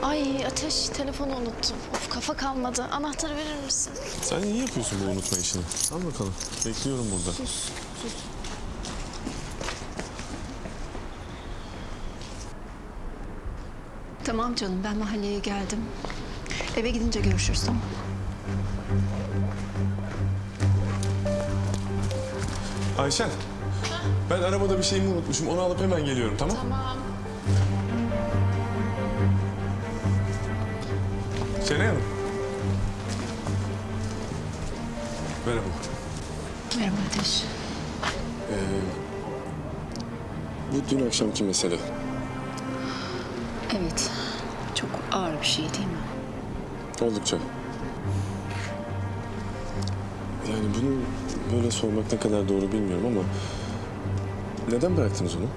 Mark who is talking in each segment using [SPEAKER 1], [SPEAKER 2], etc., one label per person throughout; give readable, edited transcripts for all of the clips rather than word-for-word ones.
[SPEAKER 1] Ay Ateş, telefonu unuttum. Of, kafa kalmadı. Anahtarı verir misin?
[SPEAKER 2] Sen iyi yapıyorsun bu unutma işini. Al bakalım. Bekliyorum burada.
[SPEAKER 1] Sus.
[SPEAKER 3] Tamam canım, ben mahalleye geldim. Eve gidince görüşürüz, tamam.
[SPEAKER 2] Ayşen. Ben arabada bir şeyimi unutmuşum. Onu alıp hemen geliyorum, tamam?
[SPEAKER 1] Tamam.
[SPEAKER 2] Şenay Hanım. Merhaba.
[SPEAKER 3] Merhaba Ateş.
[SPEAKER 2] Bu dün akşamki mesele.
[SPEAKER 3] Evet, çok ağır bir şey değil mi?
[SPEAKER 2] Oldukça. Yani bunu böyle sormak ne kadar doğru bilmiyorum ama... Neden bıraktınız onu?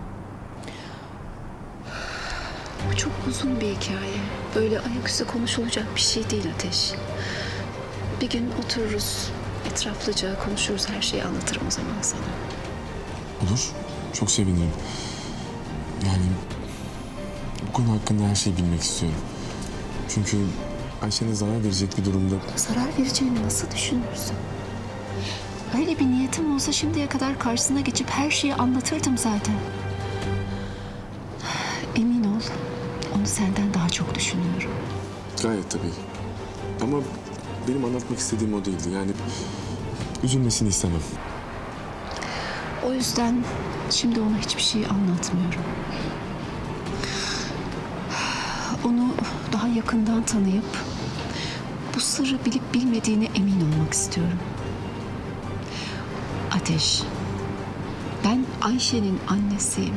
[SPEAKER 3] Bu çok uzun bir hikaye. Böyle ayaküstü konuşulacak bir şey değil Ateş. Bir gün otururuz, etraflıca konuşuruz, her şeyi anlatırım o zaman sana.
[SPEAKER 2] Olur. Çok sevinirim. Yani... Bu konu hakkında her şeyi bilmek istiyorum. Çünkü Ayşe'ne zarar verecek bir durumda...
[SPEAKER 3] Zarar vereceğini nasıl düşünürsün? Öyle bir niyetim olsa şimdiye kadar karşısına geçip her şeyi anlatırdım zaten. Emin ol, onu senden daha çok düşünüyorum.
[SPEAKER 2] Gayet tabii. Ama benim anlatmak istediğim o değildi. Yani üzülmesini istemem.
[SPEAKER 3] O yüzden şimdi ona hiçbir şey anlatmıyorum. Onu daha yakından tanıyıp bu sırrı bilip bilmediğine emin olmak istiyorum. Ateş, ben Ayşe'nin annesiyim.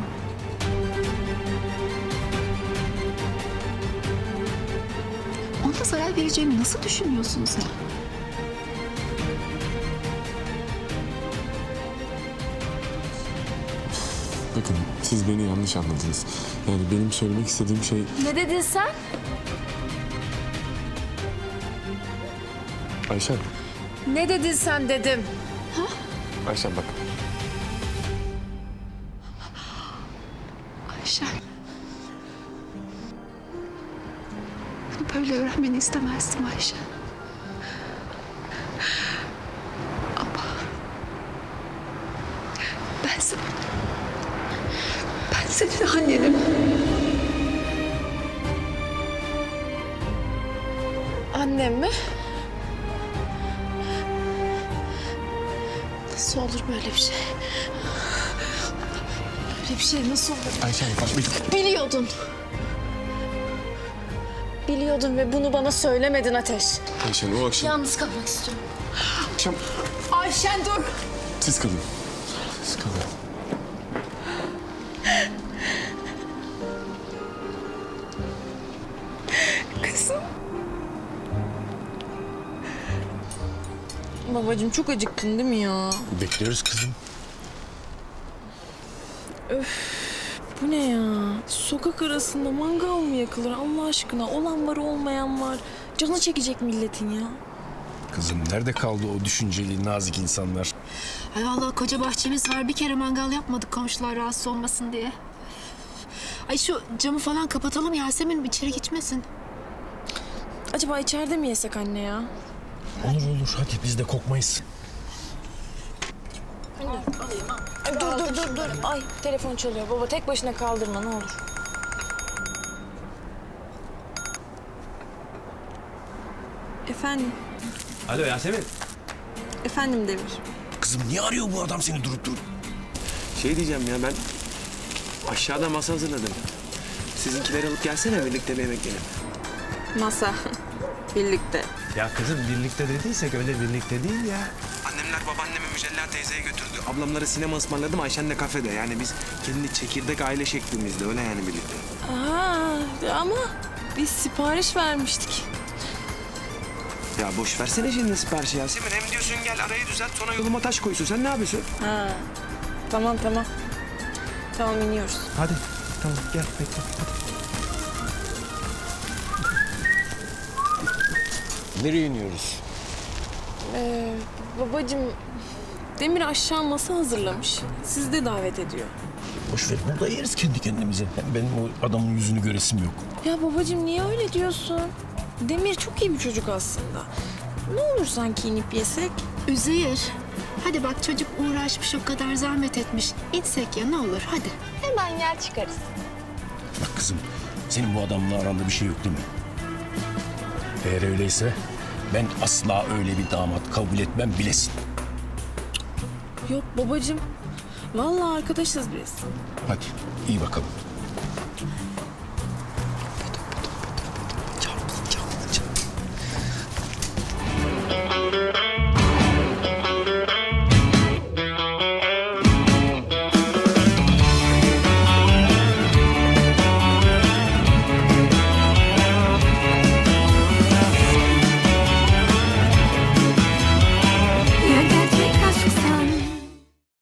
[SPEAKER 3] Ona zarar vereceğimi nasıl düşünüyorsun sen?
[SPEAKER 2] Bakın siz beni yanlış anladınız. Yani benim söylemek istediğim şey...
[SPEAKER 1] Ne dedin sen?
[SPEAKER 2] Ayşen.
[SPEAKER 1] Ne dedin sen dedim.
[SPEAKER 2] Ayşen bak.
[SPEAKER 3] Ayşe. Bunu böyle öğrenmeni istemezdim Ayşe. Ama ben senin annenim.
[SPEAKER 1] Annem mi? Nasıl olur böyle bir şey? Böyle bir şey nasıl olur?
[SPEAKER 2] Ayşen bak
[SPEAKER 1] Biliyordun. Biliyordun ve bunu bana söylemedin Ateş.
[SPEAKER 2] Ayşen o akşam...
[SPEAKER 1] Yalnız kalmak istiyorum.
[SPEAKER 2] Akşam
[SPEAKER 1] Ayşen dur.
[SPEAKER 2] siz kalın. Siz kalın.
[SPEAKER 1] Kızım. Babacığım çok acıktın değil mi ya?
[SPEAKER 4] Bekliyoruz kızım.
[SPEAKER 1] Bu ne ya? Sokak arasında mangal mı yakılır Allah aşkına? Olan var olmayan var. Canı çekecek milletin ya.
[SPEAKER 4] Kızım nerede kaldı o düşünceli, nazik insanlar?
[SPEAKER 3] Ay vallahi koca bahçemiz var. Bir kere mangal yapmadık komşular rahatsız olmasın diye. Ay şu camı falan kapatalım Yasemin içeri geçmesin.
[SPEAKER 1] Acaba içeride mi yesek anne ya?
[SPEAKER 4] Olur olur, hadi biz de kokmayız.
[SPEAKER 1] Ay, dur. Ay telefon çalıyor. Baba tek başına kaldırma ne olur. Efendim?
[SPEAKER 4] Alo Yasemin.
[SPEAKER 1] Efendim Demir.
[SPEAKER 4] Kızım niye arıyor bu adam seni durup durup?
[SPEAKER 5] Şey diyeceğim ya ben aşağıda masa hazırladım. Sizinkileri alıp gelsene birlikte bir yemek yiyelim.
[SPEAKER 1] Masa. Birlikte.
[SPEAKER 4] Ya kızım birlikte dediysek öyle birlikte değil ya.
[SPEAKER 5] Annemler babaannemi Mücella teyzeye götürdü. Ablamlara sinema ısmarladım, Ayşen de kafede. Yani biz kendi çekirdek aile şeklimizde öyle yani birlikte.
[SPEAKER 1] Aa, ama biz sipariş vermiştik.
[SPEAKER 5] Ya boş versene şimdi siparişi Yasemin. Hem diyorsun gel arayı düzelt sonra yoluma taş koysun. Sen ne yapıyorsun?
[SPEAKER 1] Ha. Tamam. Tamam iniyoruz.
[SPEAKER 4] Hadi tamam gel bekle hadi. Nereye iniyoruz?
[SPEAKER 1] Babacığım Demir aşağı masa hazırlamış. Sizi de davet ediyor.
[SPEAKER 4] Boş ver, burada yeriz kendi kendimize. Hem benim o adamın yüzünü göresim yok.
[SPEAKER 1] Ya babacığım niye öyle diyorsun? Demir çok iyi bir çocuk aslında. Ne olur sanki inip yesek?
[SPEAKER 3] Üzeyir. Hadi bak çocuk uğraşmış o kadar zahmet etmiş. İçsek ya ne olur hadi.
[SPEAKER 1] Hemen gel çıkarız.
[SPEAKER 4] Bak kızım, senin bu adamla aranda bir şey yok değil mi? Eğer öyleyse ben asla öyle bir damat kabul etmem bilesin.
[SPEAKER 1] Yok babacığım. Vallahi arkadaşız biz.
[SPEAKER 4] Hadi iyi bakalım.